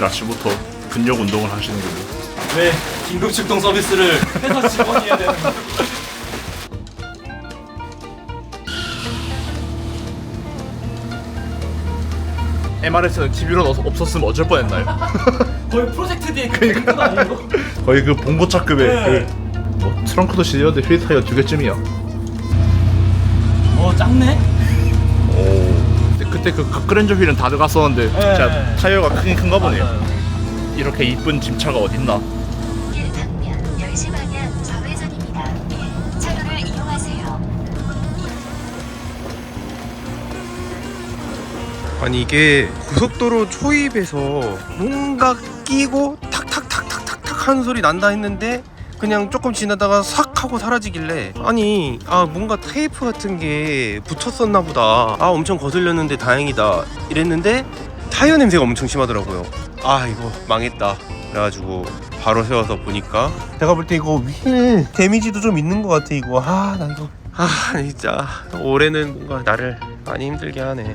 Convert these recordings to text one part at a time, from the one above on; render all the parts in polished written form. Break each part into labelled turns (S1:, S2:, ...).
S1: 월요일 아침부터 근력 운동을 하시는군요.
S2: 왜 긴급 출동 서비스를 회사 직원이 해야 되는 거야?
S1: MRS는 TV로 없었으면 어쩔 뻔했나요?
S2: 거의 프로젝트 D의 그 아니고?
S1: 거의 그 봉고차급의
S2: 네.
S1: 뭐 트렁크도 실렸는데 휠 타이어 2개쯤이야.
S2: 작네?
S1: 오. 그때 그 각그랜저 휠은 다 들어갔었는데
S2: 네.
S1: 진짜 타이어가 크긴 큰가 보네요.
S2: 맞아요.
S1: 이렇게 이쁜 짐차가 어딨나?
S3: 길 방면 10시 방향 좌회전입니다. 차로를 이용하세요.
S4: 아니 이게 고속도로 초입에서 뭔가 끼고 탁탁탁탁탁탁 하는 소리 난다 했는데 그냥 조금 지나다가 싹 하고 사라지길래 아니 뭔가 테이프 같은 게 붙었었나 보다, 엄청 거슬렸는데 다행이다 이랬는데 타이어 냄새가 엄청 심하더라고요. 이거 망했다 그래가지고 바로 세워서 보니까 내가 볼 때 이거 휠 데미지도 좀 있는 것 같아. 이거 나 이거 진짜 올해는 뭔가 나를 많이 힘들게 하네.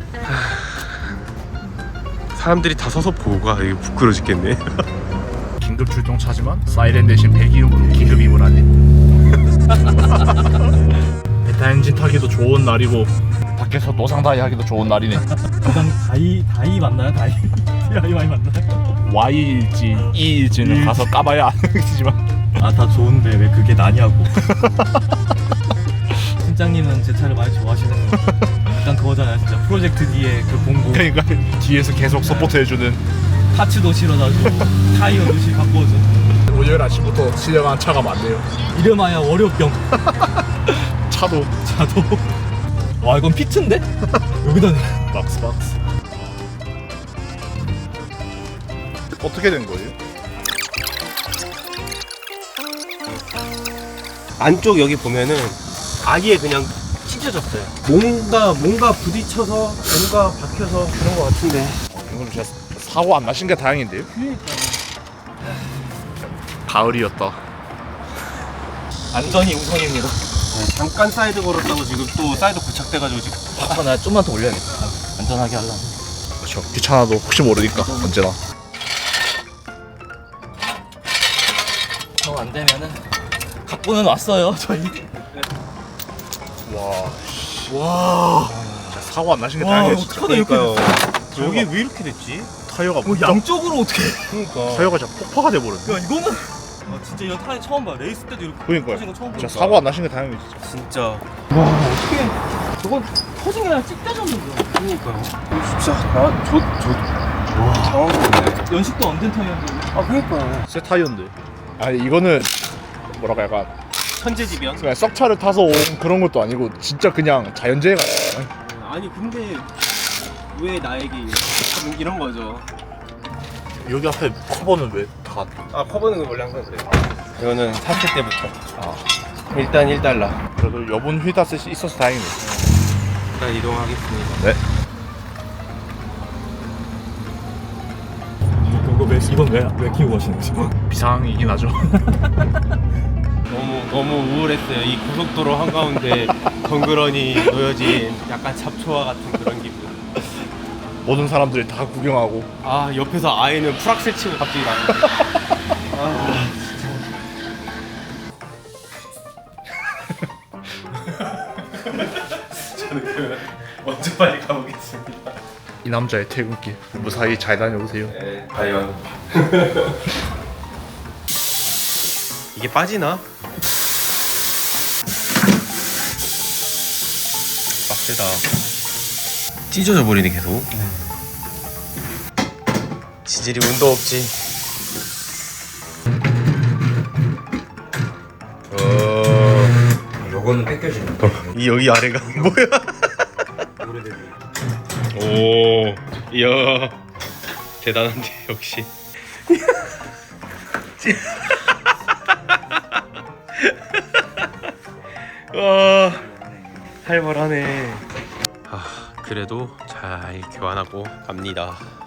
S4: 사람들이 다 서서 보고 가. 이거 부끄러워 죽겠네.
S1: 긴급 출동차지만 사이렌 대신 배기음으로 기름임을 하네. 베타 엔진 타기도 좋은 날이고 밖에서 노상다이 하기도 좋은 날이네.
S2: 그다음 다이 맞나요? 다이 많이 맞나요?
S1: Y일지 E일지는 가서 까봐야 아는지만
S2: 다 좋은데 왜 그게 나냐고. 팀장님은 제 차를 많이 좋아하시는 거. 약간 그거잖아요, 진짜 프로젝트 D의 그 공고.
S1: 그러니까 뒤에서 계속 서포트 해주는
S2: 파츠도 실어다주고 타이어도 바꿔줘.
S1: 월요일 아침부터 실려간 차가 많네요.
S2: 이름하여 월요병.
S1: 차도
S2: 자도. 와, 이건 피트인데? 여기다
S1: 박스. 어떻게 된 거예요?
S4: 안쪽 여기 보면은 아예 그냥 찢어졌어요. 뭔가 부딪혀서 뭔가 박혀서 그런 것 같은데.
S1: 이건 진짜 사고 안 나신 게 다행인데요? 가을이었다.
S2: 안전이 우선입니다.
S4: 잠깐 사이드 걸었다고 지금 또 사이드 고착돼가지고 지금.
S2: 나 좀만 더 올려야겠다. 안전하게 하려면.
S1: 그렇죠. 귀찮아도 혹시 모르니까 언제나.
S2: 안 되면은 각본은 왔어요, 저희.
S1: 와. 진짜 사고 안 나신 게 다행이에요. 진짜.
S2: 어떡하다 이렇게
S4: 그러니까요. 여기 왜 이렇게 됐지?
S1: 타이어가
S2: 양쪽으로 어떻게?
S4: 그러니까.
S1: 타이어가 진짜 폭파가 돼버렸네.
S2: 야, 이거는 진짜 이런 타이 처음 봐. 레이스 때도 이렇게
S1: 그러니까요.
S2: 터진 거 처음
S1: 진짜
S2: 보니까.
S1: 사고 안 나신 게 다행이에요. 진짜.
S4: 진짜.
S2: 와, 어떻게? 저건 터진 게 아니라 찢겨졌는데.
S4: 그러니까요. 진짜 저 당황스럽네.
S2: 연식도 안 된 타이어인데.
S4: 그러니까요.
S1: 새 타이어인데. 아니 이거는 뭐랄까 약간
S4: 천재지변.
S1: 그냥 썩차를 타서 온 그런 것도 아니고 진짜 그냥 자연재해가.
S4: 아니 근데 왜 나에게 이런 거죠?
S1: 여기 앞에 커버는 왜 다?
S4: 커버는 원래 항상 그래요. 이거는 샀을 때부터. 일단 1달러.
S1: 그래도 여분 휠다스 있어서 다행이네.
S4: 일단 이동하겠습니다.
S1: 네.
S2: 이건 왜 키우고 가시는 거죠?
S1: 비상이긴 하죠.
S4: 너무 우울했어요. 이 고속도로 한가운데 덩그러니 놓여진 약간 잡초와 같은 그런 기분.
S1: 모든 사람들이 다 구경하고.
S4: 옆에서 아이는 풀악셀 치고 갑자기 나는. 저는 그러면 먼저 빨리 가보겠습니다.
S1: 이 남자의 퇴근길 무사히 잘 다녀오세요.
S4: 네, 과연 이게 빠지나? 빡세다. 찢어져 버리네 계속. 지질이 운도 없지.
S5: 요거는 뺏겨지는
S4: 이 여기 아래가 뭐야? 오, 이야 대단한데 역시. 와, 살벌하네. 그래도 잘 교환하고 갑니다.